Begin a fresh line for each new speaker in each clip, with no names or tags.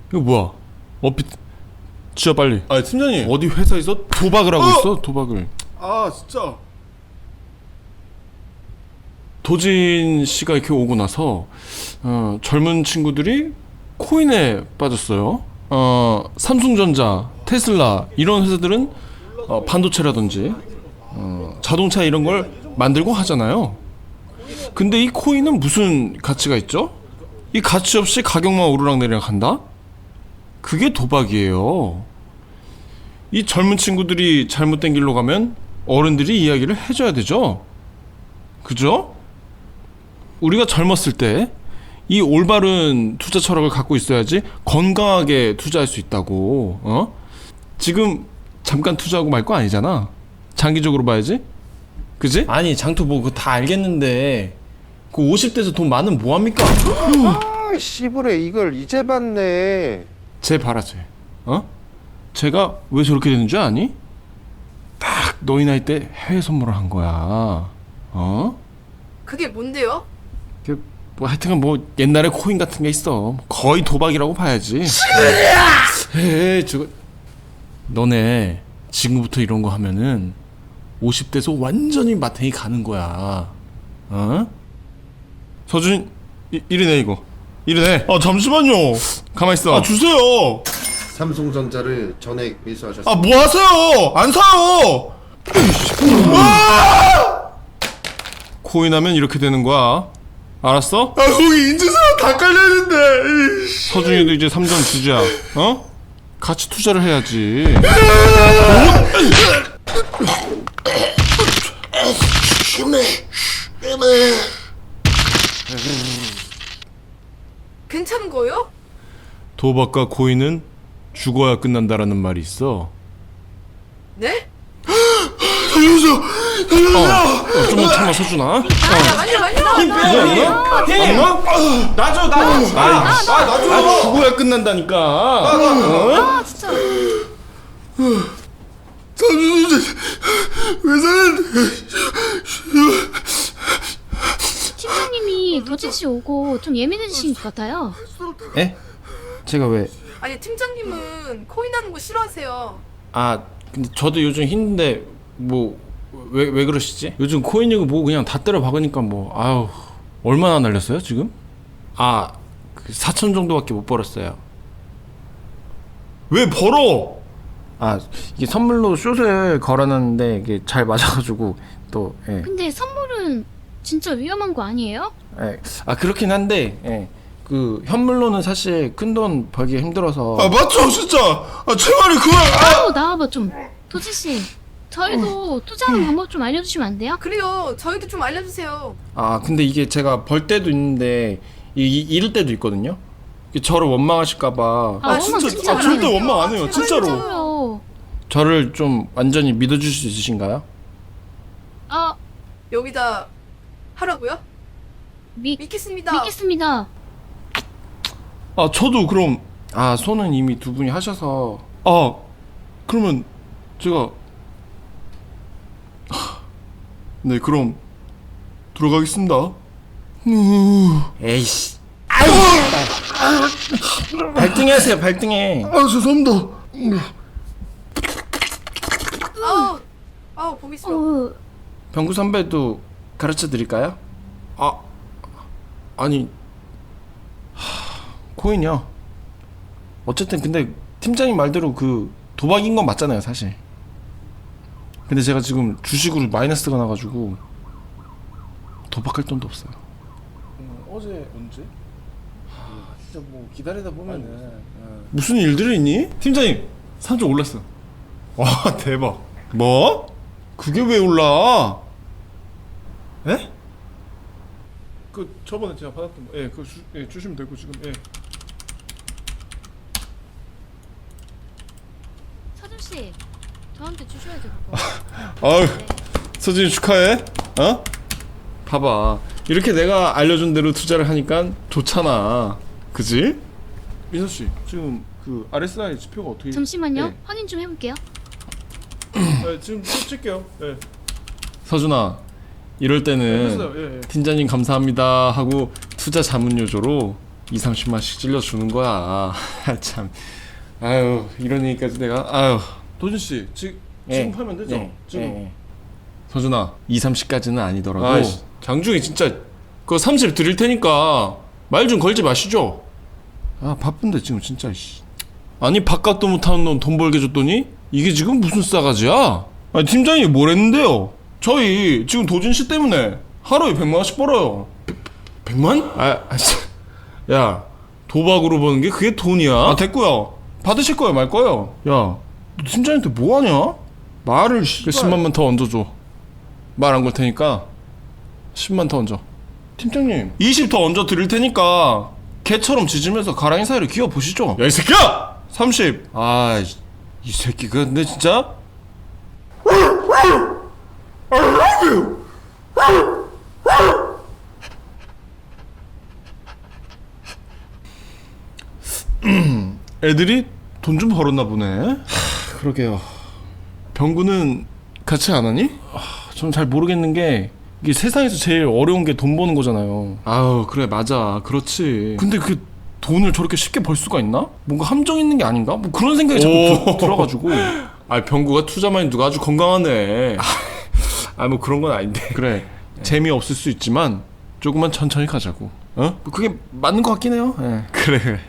이거 뭐야? 진짜 빨리.
아 팀장님.
어디 회사에서 도박을 하고 있어? 도박을.
아 진짜.
도진 씨가 이렇게 오고 나서 젊은 친구들이 코인에 빠졌어요. 삼성전자, 테슬라 이런 회사들은 반도체라든지 자동차 이런 걸 만들고 하잖아요. 근데 이 코인은 무슨 가치가 있죠? 이 가치 없이 가격만 오르락내리락 한다? 그게 도박이에요. 이 젊은 친구들이 잘못된 길로 가면 어른들이 이야기를 해줘야 되죠. 그죠? 우리가 젊었을 때 이 올바른 투자 철학을 갖고 있어야지 건강하게 투자할 수 있다고. 지금 잠깐 투자하고 말 거 아니잖아. 장기적으로 봐야지. 그지?
아니 장투 뭐 그거 다 알겠는데 그 50대에서 돈 많으면 뭐합니까?
아, 씨부레 이걸 이제 봤네.
쟤 봐라 쟤. 쟤가 왜 저렇게 되는 줄 아니? 딱 너희 나이 때 해외 선물을 한 거야.
그게 뭔데요?
뭐 하여튼간 뭐 옛날에 코인 같은 게 있어. 거의 도박이라고 봐야지. 에이 저거 너네 지금부터 이런 거 하면은 50대에서 완전히 마탱이 가는 거야. 서준 이리내 이거. 이리내.
아 잠시만요.
가만 있어.
아 주세요.
삼성전자를 전액 매수하셨습니다.
아 뭐 하세요? 안 사요.
코인 하면 이렇게 되는 거야. 알았어?
아 거기 인증사랑 다 깔려있는데.
서준이도 이제 3전 주자. 같이 투자를 해야지.
괜찮은 거예요?
도박과 코인은 죽어야 끝난다라는 말이 있어.
네?
좀만 참아 서준아.
잠깐만요.
아 죽어야 끝난다니까.
아 진짜 팀장님이 도진씨 오고 좀 예민해지신 것 같아요.
에? 제가 왜?
아니 팀장님은 코인 하는 거 싫어하세요.
아 근데 저도 요즘 힘든데 뭐 왜 그러시지?
요즘 코인 이거 뭐 그냥 다 때려 박으니까 뭐 아유 얼마나 날렸어요 지금?
그 4천 정도밖에 못 벌었어요.
왜 벌어?
아 이게 선물로 숏을 걸어놨는데 이게 잘 맞아가지고 또 예.
근데 선물은 진짜 위험한 거 아니에요?
예. 아 그렇긴 한데 예. 그 현물로는 사실 큰 돈 벌기 힘들어서
아 맞죠 진짜. 아 제발이 그만.
아우 나와봐 좀. 도진씨 저희도 투자하는 방법 좀 알려주시면 안 돼요?
그래요. 저희도 좀 알려주세요.
아 근데 이게 제가 벌 때도 있는데 잃을 때도 있거든요. 이게 저를 원망하실까봐
아, 원망 진짜 안
절대
해요.
원망 안 해요 진짜로.
진짜로요.
저를 좀 완전히 믿어줄 수 있으신가요?
아
여기다 하라고요? 믿겠습니다.
믿겠습니다.
아 저도 그럼
아 손은 이미 두 분이 하셔서
그러면 제가 네 그럼 들어가겠습니다.
에이씨 발등에 하세요 발등에.
아 죄송합니다.
아우 보기 싫어.
병구 선배도 가르쳐 드릴까요?
아니
코인이요. 어쨌든 근데 팀장님 말대로 그 도박인 건 맞잖아요 사실.
근데 제가 지금 주식으로 마이너스가 나가지고 도박할 돈도 없어요.
어제 언제? 진짜 뭐 기다리다 보면은
무슨 일들이 있니? 팀장님 3조 올랐어.
와 대박.
뭐? 그게 왜 올라? 에? 그 저번에 제가 받았던 거, 그거 주시면 되고 지금.
서준씨 저한테 주셔야죠 그거.
아유, 서진이 축하해. 봐봐, 이렇게 내가 알려준 대로 투자를 하니까 좋잖아, 그지? 민서 씨, 지금 그 RSI 지표가 어떻게?
잠시만요.
네.
확인 좀 해볼게요.
지금 칠게요. 서준아, 이럴 때는
했어요.
팀장님 감사합니다 하고 투자 자문 요조로 2, 30만씩 찔러주는 거야. 참. 아유, 이런 얘기까지 내가. 아유, 도준씨 지금 팔면 되죠? 지금. 서준아, 2, 30까지는 아니더라도
아이씨.
장중에 진짜 그거 30 드릴 테니까 말 좀 걸지 마시죠. 아, 바쁜데 지금 진짜. 아니, 바깥도 못하는 놈 돈 벌게 줬더니 이게 지금 무슨 싸가지야? 아니, 팀장이 뭘 했는데요? 저희 지금 도준씨 때문에 하루에 100만원씩 벌어요. 100만? 야, 도박으로 버는 게 그게 돈이야? 아, 됐고요. 받으실 거예요, 말 거예요? 야, 너 팀장한테 뭐 하냐? 말을 10만만 더 얹어줘. 말 안 걸 테니까 10만 더 얹어. 팀장님, 20 더 얹어 드릴 테니까 개처럼 짖으면서 가랑이 사이로 기어 보시죠. 야, 이 새끼야! 30. 아, 이 새끼가 근데 진짜. 애들이 돈 좀 벌었나 보네. 그러게요. 병구는 같이 안 하니? 전 잘 모르겠는 게 이게 세상에서 제일 어려운 게 돈 버는 거잖아요. 아우, 그래, 맞아, 그렇지. 근데 그 돈을 저렇게 쉽게 벌 수가 있나? 뭔가 함정 있는 게 아닌가? 뭐 그런 생각이 자꾸 들어가지고. 아, 병구가 투자 마인드가 아주 건강하네. 뭐 그런 건 아닌데. 그래, 재미없을 수 있지만 조금만 천천히 가자고. 어? 뭐 그게 맞는 것 같긴 해요. 예. 그래.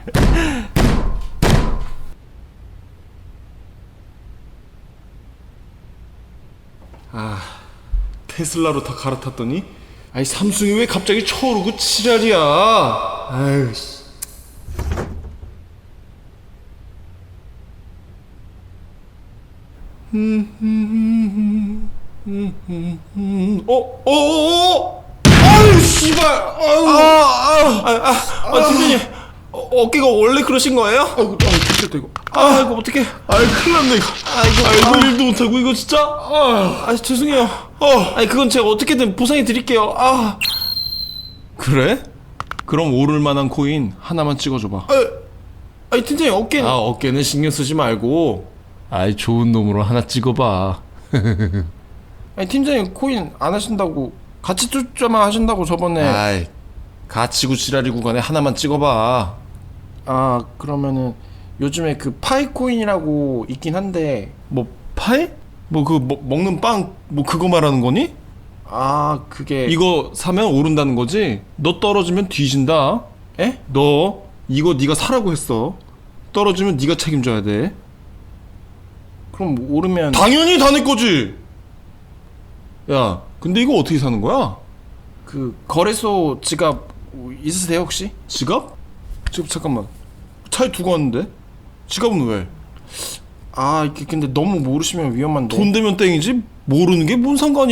아, 테슬라로 다 갈아탔더니 아이 삼성이 왜 갑자기 쳐오르고 지랄이야. 아유 씨. 아유 씨발. 팀장님, 어깨가 원래 그러신 거예요? 아이고, 됐다 이거. 이거 어떡해. 큰일 났네 이거. 이거 일도 못하고 이거 진짜. 죄송해요. 그건 제가 어떻게든 보상해 드릴게요. 그래? 그럼 오를 만한 코인 하나만 찍어줘봐. 팀장님, 어깨는. 어깨는 신경 쓰지 말고 좋은 놈으로 하나 찍어봐.
팀장님 코인 안 하신다고 같이 투자만 하신다고 저번에.
가치구 지랄이구 간에 하나만 찍어봐.
그러면은 요즘에 그 파이코인이라고 있긴 한데.
뭐 파이? 뭐 그 먹는 빵 뭐 그거 말하는 거니?
그게
이거 사면 오른다는 거지? 너 떨어지면 뒤진다.
에?
너 이거 네가 사라고 했어. 떨어지면 네가 책임져야 돼.
그럼 오르면
당연히 다 내 거지. 야, 근데 이거 어떻게 사는 거야?
그 거래소 지갑 있으세요 혹시?
지갑? 잠깐만. 차에 두고 왔는데? 지갑은 왜?
이게 근데 너무 모르시면 위험한데.
돈 되면 땡이지 모르는 게 뭔 상관이야.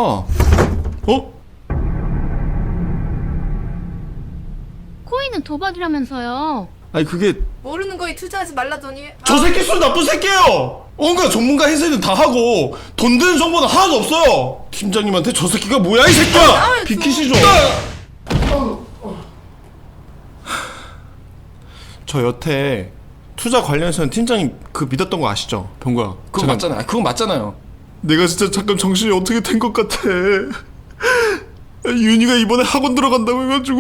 코인은 도박이라면서요.
그게
모르는 거에 투자하지 말라더니.
저 새끼 술 나쁜 새끼예요. 온갖 전문가 해설은 다 하고 돈 되는 정보는 하나도 없어요. 팀장님한테 저 새끼가 뭐야 이 새끼야. 비키시죠. 저 여태 투자 관련해서는 팀장님 그 믿었던 거 아시죠? 병구야,
그거 맞잖아요. 그거 맞잖아요.
내가 진짜 잠깐 정신이 어떻게 된 것 같아. 윤희가 이번에 학원 들어간다고 해가지고.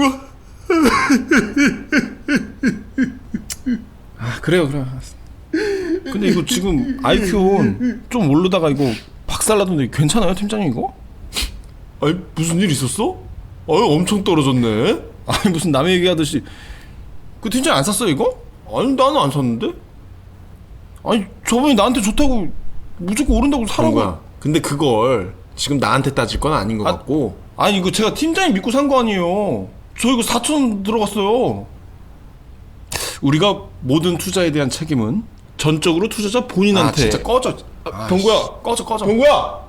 그래요.
근데 이거 지금 IQ 좀 오르다가 이거 박살나던데 괜찮아요 팀장님 이거?
무슨 일 있었어? 엄청 떨어졌네.
무슨 남의 얘기하듯이. 그 팀장님 안 샀어 이거?
나는 안 샀는데.
저번에 나한테 좋다고 무조건 오른다고 사라고.
거야. 근데 그걸 지금 나한테 따질 건 아닌 것 같고.
이거 제가 팀장님 믿고 산 거 아니에요. 저 이거 4,000원 들어갔어요. 우리가 모든 투자에 대한 책임은 전적으로 투자자 본인한테.
진짜 꺼져.
병구야, 꺼져.
병구야.